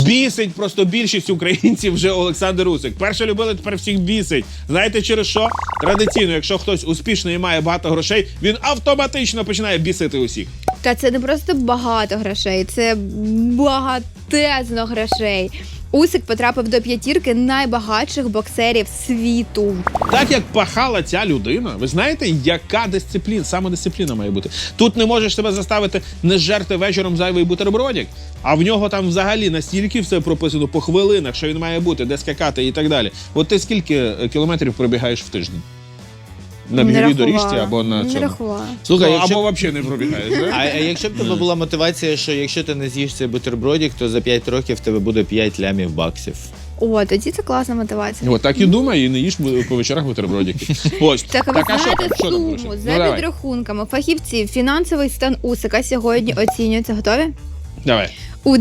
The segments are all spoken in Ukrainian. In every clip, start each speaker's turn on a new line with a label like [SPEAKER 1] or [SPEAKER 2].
[SPEAKER 1] Бісить просто більшість українців вже Олександр Усик. Перше любили, тепер всіх бісить. Знаєте через що? Традиційно, якщо хтось успішний і має багато грошей, він автоматично починає бісити усіх.
[SPEAKER 2] Та це не просто багато грошей, це багатезно грошей. Усик потрапив до 5 найбагатших боксерів світу.
[SPEAKER 1] Так як пахала ця людина, ви знаєте, яка дисципліна, самодисципліна має бути? Тут не можеш себе заставити не жерти вечором зайвий бутербродик, а в нього там взагалі настільки все прописано по хвилинах, що він має бути, де скакати і так далі. От ти скільки кілометрів пробігаєш в тиждень? На біговій доріжці або на
[SPEAKER 2] Не
[SPEAKER 1] цьому?
[SPEAKER 2] рахувала.
[SPEAKER 3] Слухай,
[SPEAKER 1] Або взагалі не пробігаєш, да?
[SPEAKER 3] А якщо б тебе була мотивація, що якщо ти не з'їш цей бутербродик, то за 5 років в тебе буде 5 лямів баксів.
[SPEAKER 2] О, тоді це класна мотивація.
[SPEAKER 1] От так і думай, і не їж по вечорах бутербродики. Ось.
[SPEAKER 2] Так, а ви
[SPEAKER 1] а що
[SPEAKER 2] знаєте
[SPEAKER 1] там? Що там
[SPEAKER 2] суму?
[SPEAKER 1] лише?
[SPEAKER 2] За
[SPEAKER 1] давай.
[SPEAKER 2] підрахунками фахівців, фінансовий стан Усика сьогодні оцінюється. Готові?
[SPEAKER 1] Давай.
[SPEAKER 2] У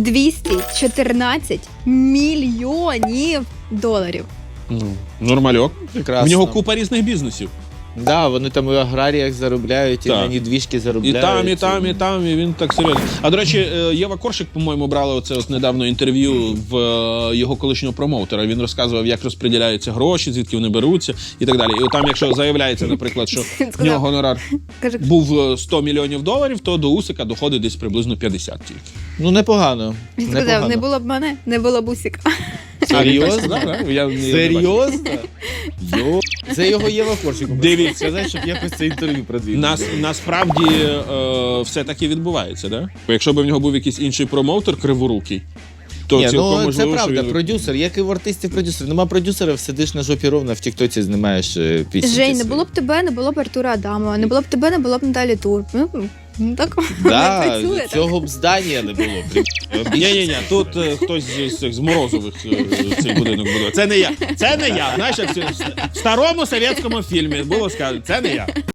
[SPEAKER 2] 214 мільйонів доларів.
[SPEAKER 1] Нормальок.
[SPEAKER 3] Прекрасно.
[SPEAKER 1] В нього купа різних бізнесів.
[SPEAKER 3] Да, вони там і в аграріях заробляють, і
[SPEAKER 1] Так.
[SPEAKER 3] на недвіжки
[SPEAKER 1] І
[SPEAKER 3] заробляють.
[SPEAKER 1] там, і там, і там, і він так серйозно. А, до речі, Єва Коршик, по-моєму, брала оце от недавно інтерв'ю в його колишнього промоутера. Він розказував, як розподіляються гроші, звідки вони беруться і так далі. І там, якщо заявляється, наприклад, що в нього гонорар
[SPEAKER 2] Каже,
[SPEAKER 1] був 100 мільйонів доларів, то до Усика доходить десь приблизно 50 тільки.
[SPEAKER 3] Ну, непогано.
[SPEAKER 2] він сказав,
[SPEAKER 3] Непогано.
[SPEAKER 2] не було б мене, не було б Усика.
[SPEAKER 3] Серйозно?
[SPEAKER 1] Я не
[SPEAKER 3] Серйозно? Йо. Це його Єва Коршик.
[SPEAKER 1] Дивіться.
[SPEAKER 3] Сказати, щоб якось це інтерв'ю продвинути.
[SPEAKER 1] Насправді все таки відбувається, да? Бо якщо б в нього був якийсь інший промоутер криворукий, то
[SPEAKER 3] Ні,
[SPEAKER 1] цілком
[SPEAKER 3] ну
[SPEAKER 1] можливо,
[SPEAKER 3] це правда,
[SPEAKER 1] що він...
[SPEAKER 3] продюсер, як і в артистів продюсер. Нема продюсерів, сидиш на жопі ровно, в тіктоці знімаєш пісні.
[SPEAKER 2] Жень, не було б тебе, не було б Артура Адамова, не було б тебе, не було б Наталі Тур. Ну, так не
[SPEAKER 3] Да,
[SPEAKER 2] працює. так.
[SPEAKER 3] цього б здання не було.
[SPEAKER 1] Ні, тут хтось з Морозових цей будинок будує. Це не я. Це не я. Знаєш, як в старому совєтському фільмі було сказано, це не я.